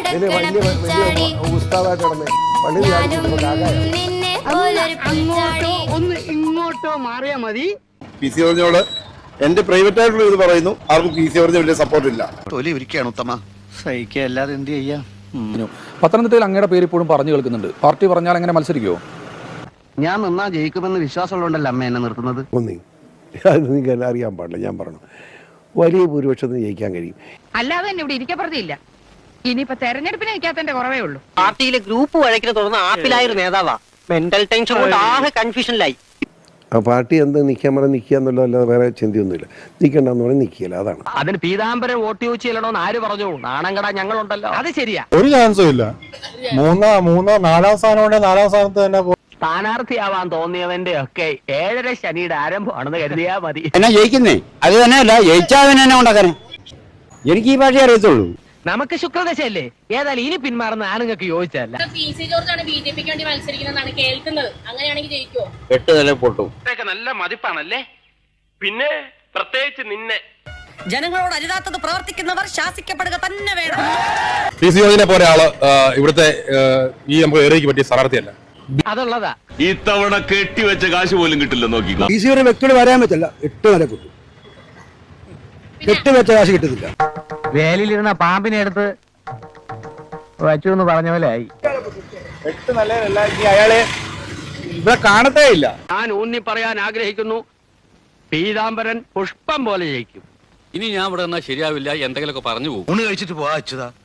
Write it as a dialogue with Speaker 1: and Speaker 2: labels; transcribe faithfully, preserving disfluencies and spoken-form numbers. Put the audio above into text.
Speaker 1: ഒന്ന് ഇങ്ങോട്ടോ മാറിയാ മതി.
Speaker 2: പി സി ജോർജിനോട് എന്റെ പ്രൈവറ്റ് ആയിട്ടുള്ള ഇത് പറയുന്നു, ആർക്കും പി സി ജോർജിന് വലിയ സപ്പോർട്ട് ഇല്ല.
Speaker 3: തൊലി ഇരിക്കുകയാണ് ഉത്തമ, സഹിക്കുക അല്ലാതെ എന്ത് ചെയ്യാം.
Speaker 4: പത്തനംതിട്ടയിൽ അങ്ങയുടെ പേര് ഇപ്പോഴും പറഞ്ഞു കേൾക്കുന്നുണ്ട്. പാർട്ടി പറഞ്ഞാൽ എങ്ങനെ മത്സരിക്കുമോ?
Speaker 3: ഞാൻ നിന്നാ ജയിക്കുമെന്ന് വിശ്വാസമുള്ളതുകൊണ്ടല്ലോ അമ്മ എന്നെ നിർത്തുന്നത്.
Speaker 5: ഒന്നേ അത് നിങ്ങൾക്ക് അറിയാൻ പാടില്ല. ഞാൻ പറഞ്ഞു വലിയ ഭൂരിപക്ഷത്തിന് ജയിക്കാൻ കഴിയും.
Speaker 6: അല്ലാതെ തന്നെ ഇവിടെ ഇരിക്കപ്പെടുത്തില്ല. ഇനിയിപ്പോ തെരഞ്ഞെടുപ്പിന് നിൽക്കാത്തതിന്റെ കുറവേ ഉള്ളൂ.
Speaker 7: പാർട്ടിയിലെ ഗ്രൂപ്പ് വഴക്കിനെ തുടർന്ന് ആപ്പിലായൊരു നേതാവാ. മെന്റൽ ടെൻഷൻ കൊണ്ട് ആകെ കൺഫ്യൂഷനിലായി.
Speaker 5: ആ പാർട്ടി എന്ത് നിൽക്കാൻ പറഞ്ഞാൽ നിൽക്കുക എന്നുള്ള അല്ലാതെ വേറെ ചിന്തയൊന്നുമില്ല. നിൽക്കണ്ടെന്ന് പറഞ്ഞാൽ നിൽക്കില്ല, അതാണ്.
Speaker 7: അതിന് പീതാംബരം വോട്ട് ചോദിച്ചു ചെല്ലണോന്ന് ആര് പറഞ്ഞു? നാണംകട ഞങ്ങളുണ്ടല്ലോ. അത് ശരിയാ,
Speaker 2: ഒരു ചാൻസും ഇല്ല. മൂന്നോ മൂന്നോ നാലാം സ്ഥാനം നാലാം സ്ഥാനത്ത് തന്നെ
Speaker 7: സ്ഥാനാർത്ഥിയാവാൻ തോന്നിയവന്റെ ഒക്കെ ഏഴര ശനിയുടെ ആരംഭമാണെന്ന് കരുതിയാ മതി.
Speaker 8: എന്നാ ജയിക്കുന്നേ? അത് തന്നെയല്ല, ജയിച്ചാൽ തന്നെ ഉണ്ടാക്കാനേ. എനിക്ക് ഈ ഭാഷ അറിയത്തുള്ളൂ.
Speaker 7: നമുക്ക് ശുക്രദശയല്ലേ. ഏതായാലും ഇനി പിന്മാറുന്ന ആണുങ്ങൾക്ക് യോജിച്ചല്ല.
Speaker 9: പി സി ജോർജാണ് ബി ജെ പിക്ക് വേണ്ടി മത്സരിക്കുന്നതാണ് കേൾക്കുന്നത്. അങ്ങനെയാണെങ്കിൽ ജയിക്കുമോ?
Speaker 8: എട്ട് നില പൊട്ടും.
Speaker 7: നല്ല മതിപ്പാണല്ലേ. പിന്നെ പ്രത്യേകിച്ച് നിന്നെ.
Speaker 6: ജനങ്ങളോട് അരുതാത്തത് പ്രവർത്തിക്കുന്നവർ ശാസിക്കപ്പെടുക തന്നെ വേണം.
Speaker 2: പി സി ജോർജിനെ പോലെ ആള് ഇവിടുത്തെ ഈ നമുക്ക് ഏറിയക്ക് പറ്റിയ സ്ഥാനാർത്ഥിയല്ല.
Speaker 7: അതുള്ളതാ.
Speaker 10: ഇത്തവണ കെട്ടിവെച്ച കാശ് പോലും കിട്ടില്ല. നോക്കിക്കോ,
Speaker 5: പി സി ഒരു വ്യക്തിയോട് വരാൻ പറ്റില്ല. എട്ട് നില കിട്ടും, കെട്ടുവെച്ച കാശ് കിട്ടുന്നില്ല.
Speaker 7: വേലിലിരുന്ന പാമ്പിനെ എടുത്ത് വച്ചു എന്ന് പറഞ്ഞ പോലെ ആയി.
Speaker 2: എട്ട് നിലയിലല്ല, ഇനി അയാളെ ഇവിടെ കാണത്തേ ഇല്ല.
Speaker 7: ഞാൻ ഊന്നി പറയാൻ ആഗ്രഹിക്കുന്നു, പീതാംബരൻ പുഷ്പം പോലെ ജയിക്കും.
Speaker 8: ഇനി ഞാൻ ഇവിടെ നിന്നാ ശരിയാവില്ല, എന്തെങ്കിലുമൊക്കെ പറഞ്ഞു പോകും.
Speaker 3: ഊണ് കഴിച്ചിട്ട് പോവാ അച്യുതാ.